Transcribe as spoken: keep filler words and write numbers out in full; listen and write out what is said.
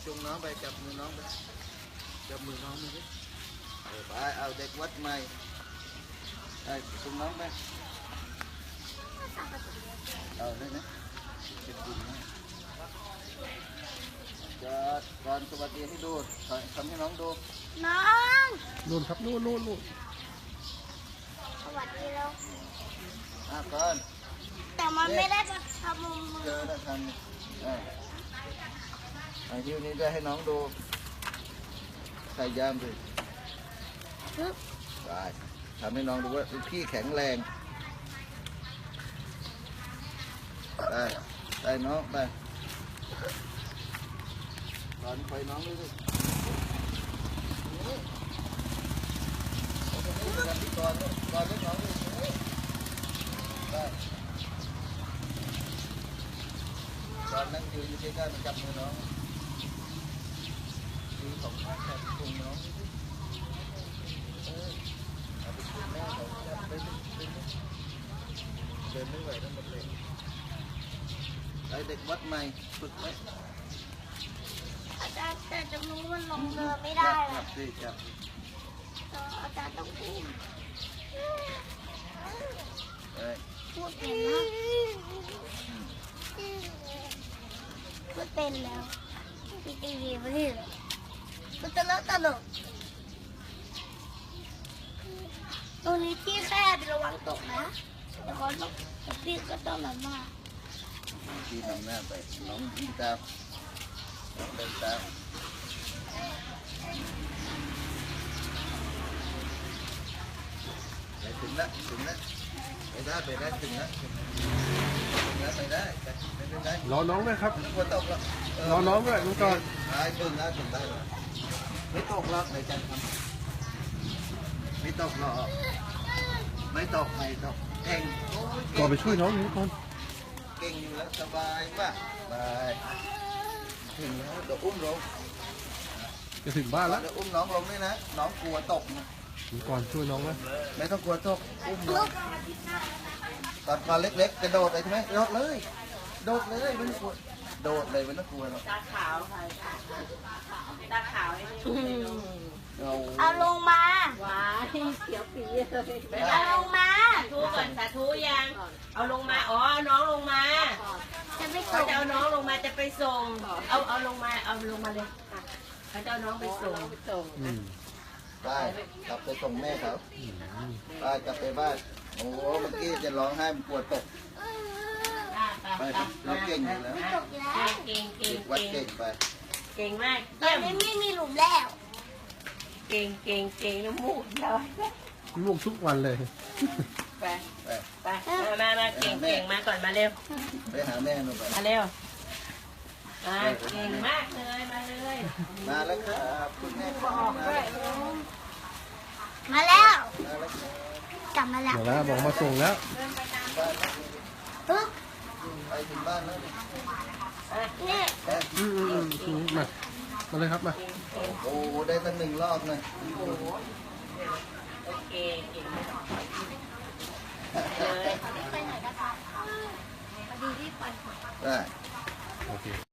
จุงน้องไปจับมือน้องไปจับมือน้องไปไปเอาเด็กวัดใหม่ไปจุงน้องไปเอาได้ไหมเจ็บดินนะจะก่อนสวัสดีให้ดูทำให้น้องดูน้องนู่นครับนู่นนู่นนู่นสวัสดีแล้วอ่ะก่อนแต่มันไม่ได้จะทำมือเจอแล้วทำอ่ะไอ้ที่นี้ได้ให้น้องดูใส่ยามดิไปทำให้น้องดูว่าพี่แข็งแรงไปไปน้องไปตอนไปน้องด้วยดิก่อนก่อนเล็กน้องด้วยไปตอนนั่งยืนอยู่ใกล้ๆมันจับมือน้องคือของข้าแขนคุมน้องเออเอาไปคุมแม่เขาจับไปเดินไม่ไหวทั้งหมดเลยไอเด็กวัดใหม่ฝึกไหมอาจารย์แต่จมูกมันลงเรือไม่ได้จับสิจับอาจารย์ต้องพูดพูดเป็นนะพูดเป็นแล้วทีทีวีไม่ได้พูดตลกตลกตรงนี้ที่แคบระวังตกนะแต่ก็ต้องพี่ก็ต้องแบบว่าพี่นำหน้าไปน้องยิงตามน้องเดินตามไปถึงแล้วถึงแล้วไปได้ไปได้ถึงแล้วถึงแล้วไปได้ไปได้รอน้องด้วยครับกลัวตกแล้วรอน้องด้วยลุงก่อนไปถึงแล้วถึงได้ไม่ตกหรอกในใจทำไม่ตกหรอกไม่ตกไม่ตกเก่งก่อนไปช่วยน้องลุงก่อนเก่งอยู่แล้วสบายป่ะไปถึงแล้วเดี๋ยวอุ้มลงจะถึงบ้านแล้วเดี๋ยวอุ้มน้องลงด้วยนะน้องกลัวตกนะลุงก่อนช่วยน้องไหมไม่ต้องกลัวตกอุ้มลงตอนตอนเล็กๆกระโดดเลยใช่ไหมโดดเลยโดดเลยไม่ต้องกลัวโดดเลยไม่ต้องกลัวหรอกตาขาวค่ะตาขาวไอ้นี่เอาลงมาว้ายเขียวปีเลยเอาลงมาทูก่อนสาธุยังเอาลงมาอ๋อน้องลงมาจะไปส่เขางจะเอาน้องลงมาจะไปส่งเอาเอาลงมาเอาลงมาเลยเขาจะเอาน้องไปส่งได้กลับไปส่งแม่เขาไปกลับไปบ้านโอ้โหเมื่อกี้จะร้องไห้มันปวดตกไปเราเก่งอยู่แล้วเก่งเก่งวัดเก่งเก่งไปเก่งมากตอนนี้ไม่มีหลุมแล้วเก่งเก่งเก่งน้ำมูกเลยลูกทุกวันเลยไปไปมามาเก่งเก่งมาก่อนมาเร็วไปหาแม่หนูไปมาเร็วมาเก่งมากเลยมาเลยมาแล้วครับคุณแม่บอกมาแล้วมาแล้วกลับมาแล้วมาแล้วบอกมาส่งแล้วปึ๊บไปถึงบ้านแล้วนี่อืมอืมอืมมามาเลยครับมาโอ้ได้ตั้งหนึ่งรอบเลยโอเคเก่งเลยไปไหนนะคะพอดีที่ไปได้โอเค